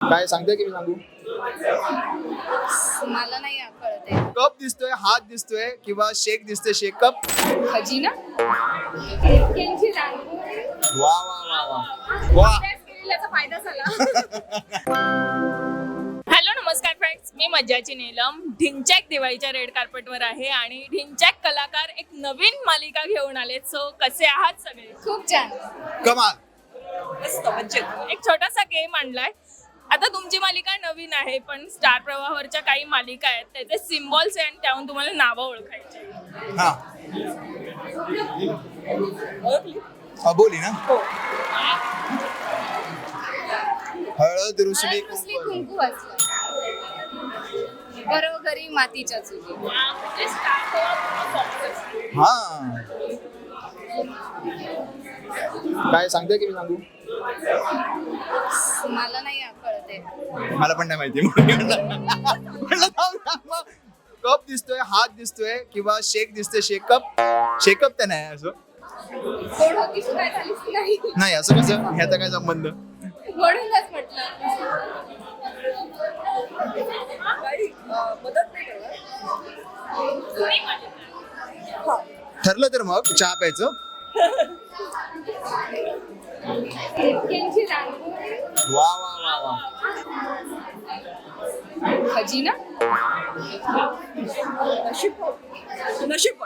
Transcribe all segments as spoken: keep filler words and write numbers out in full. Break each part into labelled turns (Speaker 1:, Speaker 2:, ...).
Speaker 1: काय सांगते की मी सांगू?
Speaker 2: मला नाही कळत आहे.
Speaker 1: कप दिसतोय, हात दिसतोय किंवा शेक दिसतोय, शेक कप.
Speaker 2: खजिना केंची रांगोळी
Speaker 1: वा वा वा वा वा.
Speaker 2: अभ्यास केलेल्याचा फायदा झाला.
Speaker 3: हॅलो नमस्कार फ्रेंड्स, मी मज्जाची नीलम ढिंचॅक दिवाळीच्या रेड कार्पेटवर आहे आणि ढिंचॅक कलाकार एक नवीन मालिका घेऊन आलेत. सो कसे आहात सगळे?
Speaker 2: खूप छान.
Speaker 1: कमाल.
Speaker 3: मस्त मजेत. एक छोटासा गेम आणलाय. आता तुमची मालिका नवीन आहे, पण स्टार प्रवाहावरच्या काही मालिका आहेत त्याचे सिम्बॉल्स आहे आणि त्याहून तुम्हाला नावं ओळखायची.
Speaker 1: हा
Speaker 3: ओळखली?
Speaker 1: अबोली ना.
Speaker 3: हो.
Speaker 1: हळद रुसली
Speaker 2: रुसली
Speaker 1: कुंकू.
Speaker 2: कुंकू वाचलं. घरोघरी मातीच्या चुली.
Speaker 3: हा, म्हणजे स्टार प्रवाह focus.
Speaker 1: हा काय सांगते की मी सांगू?
Speaker 2: मला नाही कळत आहे.
Speaker 1: मला पण नाही माहिती. म्हणलं थांब थांब. कप दिसतोय, हात दिसतोय किंवा शेक दिसतोय, शेक कप. शेकअप तर नाही असं.
Speaker 2: गोड होती तू काय झालीस की नाही?
Speaker 1: नाही असं कसं, ह्याचा काय संबंध?
Speaker 2: म्हणूनच म्हटलं.
Speaker 3: मदत नाही करणार.
Speaker 1: ठरलं तर मग चहा प्यायचं.
Speaker 2: केंची रांगोळी
Speaker 1: वा वा वा वा.
Speaker 2: खजिना
Speaker 3: नशीब नशीब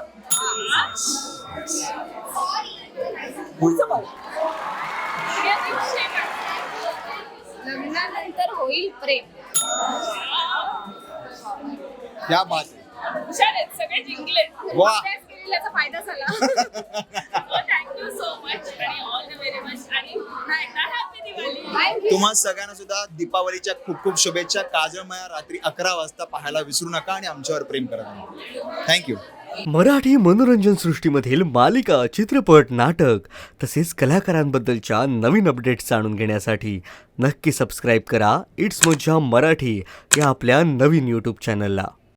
Speaker 2: लग्नानंतर होईल प्रेम.
Speaker 1: क्या बात आहे.
Speaker 3: हुशार आहेत, सगळे जिंकले.
Speaker 1: वा.
Speaker 2: अभ्यास केलेल्याचा फायदा झाला.
Speaker 3: थँक्यू सो मच आणि ऑल द व्हेरी मच आणि पुन्हा एकदा हॅपी दिवाळी.
Speaker 2: Thank you.
Speaker 1: तुम्हा सगळ्यांना सुद्धा दीपावलीच्या खूप खूप शुभेच्छा. काजळमया रात्री अकरा वाजता पाहायला विसरू नका आणि आमच्यावर प्रेम करा. थँक्यू.
Speaker 4: मराठी मनोरंजन सृष्टीमधील मालिका, चित्रपट, नाटक तसेच कलाकारांबद्दलच्या नवीन अपडेट्स जाणून घेण्यासाठी नक्की सबस्क्राईब करा इट्स मज्जा मराठी या आपल्या नवीन यूट्यूब चॅनलला.